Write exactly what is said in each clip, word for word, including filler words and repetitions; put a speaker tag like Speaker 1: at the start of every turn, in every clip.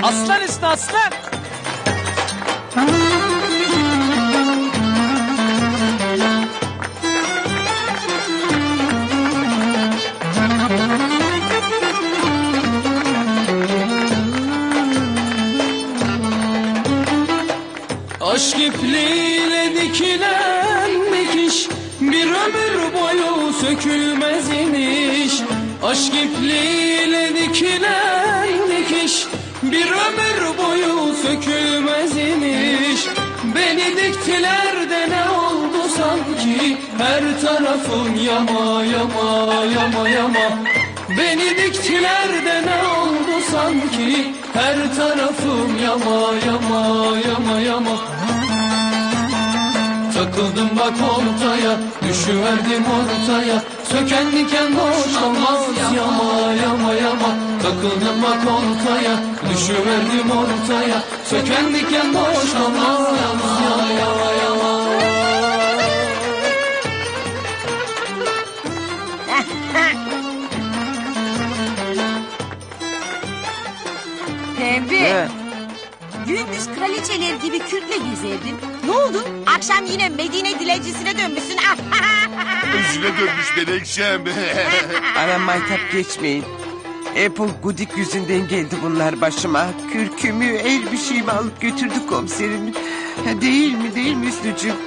Speaker 1: Aslan üstü aslan.
Speaker 2: Aşk ipliğiyle dikilen dikiş bir ömür boyu sökülmez imiş. Aşk ipliğiyle dikilen dikiş bir ömür boyu sökülmez imiş. Beni diktiler de ne oldu sanki, her tarafım yama yama yama yama. Beni diktiler de ne oldu sanki, her tarafım yama yama yama yama. Takıldım bak ortaya, düşüverdim ortaya. Söken diken boş olmaz yama yama yama. Takıldım bak ortaya, düşüverdim ortaya. Söken diken boş olmaz yama yama yama.
Speaker 3: Pembe.
Speaker 4: Ne?
Speaker 3: Gündüz kraliçeler gibi kürkle gezerdin. Ne oldu? Akşam yine Medine dilencisine dönmüşsün.
Speaker 5: Üstüne dönmüş Menekşem.
Speaker 4: Bana maytap geçmeyin. Apple Gudik yüzünden geldi bunlar başıma. Kürkümü, elbişeğimi alıp götürdü komiserim. Ha, değil mi, değil mi Hüsnücüğüm?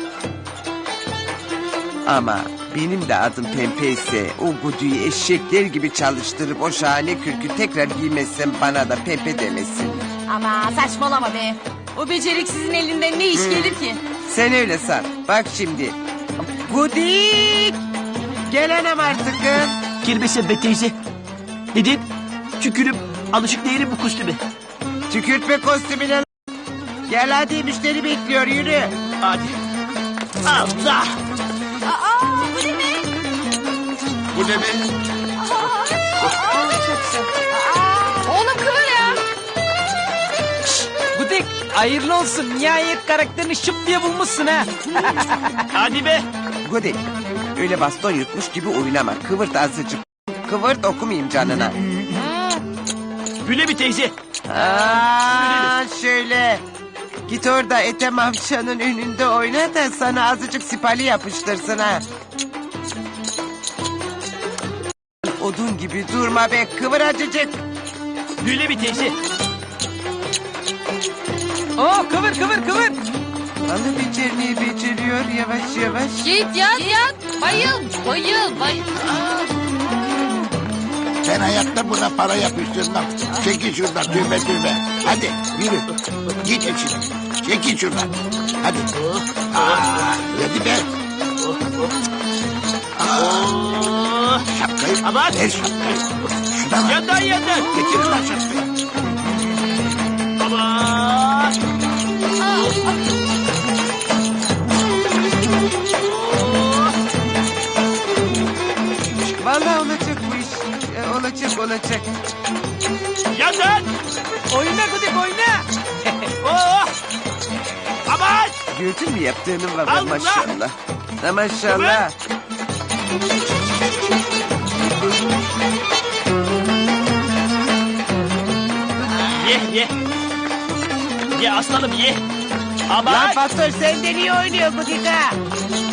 Speaker 4: Ama benim de adım Pembe ise o Gudik'i eşekler gibi çalıştırıp o şahane kürkü tekrar giymezsem bana da Pembe demesin.
Speaker 3: Ama saçmalama be. O beceriksizin elinden ne iş gelir ki?
Speaker 4: Sen öyle san. Bak şimdi. Gudik! Gel anam artık.
Speaker 1: Girmesin be teyze. Neden? Tükürüp alışık değilim bu kostüme.
Speaker 4: Tükürtme kostümüne lan. Gel hadi müşteri bekliyor yürü.
Speaker 1: Hadi. Allah.
Speaker 3: Aa, bu ne be?
Speaker 5: Bu ne be?
Speaker 3: Oğlum kıvır ya.
Speaker 1: Gudik hayırlı olsun. Nihayet karakterini şıp diye bulmuşsun ha. Hadi be.
Speaker 4: Gudik öyle baston yutmuş gibi oynama. Kıvırt azıcık. Kıvırt okumayayım canına.
Speaker 1: Güle bir teyze.
Speaker 4: Aa, şöyle. Git orada Ethem amcanın önünde oyna da sana azıcık sipali yapıştırsın ha. Odun gibi durma be, kıvır azıcık.
Speaker 1: Güle bir teyze. Oo kıvır kıvır kıvır.
Speaker 4: Vallahi becermeyi beceriyor yavaş yavaş.
Speaker 6: Git yat yat. Bayıl bayıl bayıl.
Speaker 5: Ben hayatta buna para yapıştırmam. Çekil şuradan tövbe tövbe. Hadi yürü. Git içine. Çekil şuradan. Hadi. Aa, hadi be. Aa, şapkayı.
Speaker 1: Aman.
Speaker 5: Ver şapkayı. Şuna bak.
Speaker 1: Yandan yandan.
Speaker 5: Getir lan şapkayı.
Speaker 1: Aman.
Speaker 4: Vallahi olacak bu iş. Ee, olacak olacak.
Speaker 1: Yandan. Oyna Gudik oyna. Oh. Aman.
Speaker 4: Gördün mü yaptığını baba
Speaker 1: Allah!
Speaker 4: maşallah. Ha, maşallah.
Speaker 1: Ye ye. Ye aslanım ye. Aman.
Speaker 4: Lan Faktör sen de niye oynuyor Gudik'a?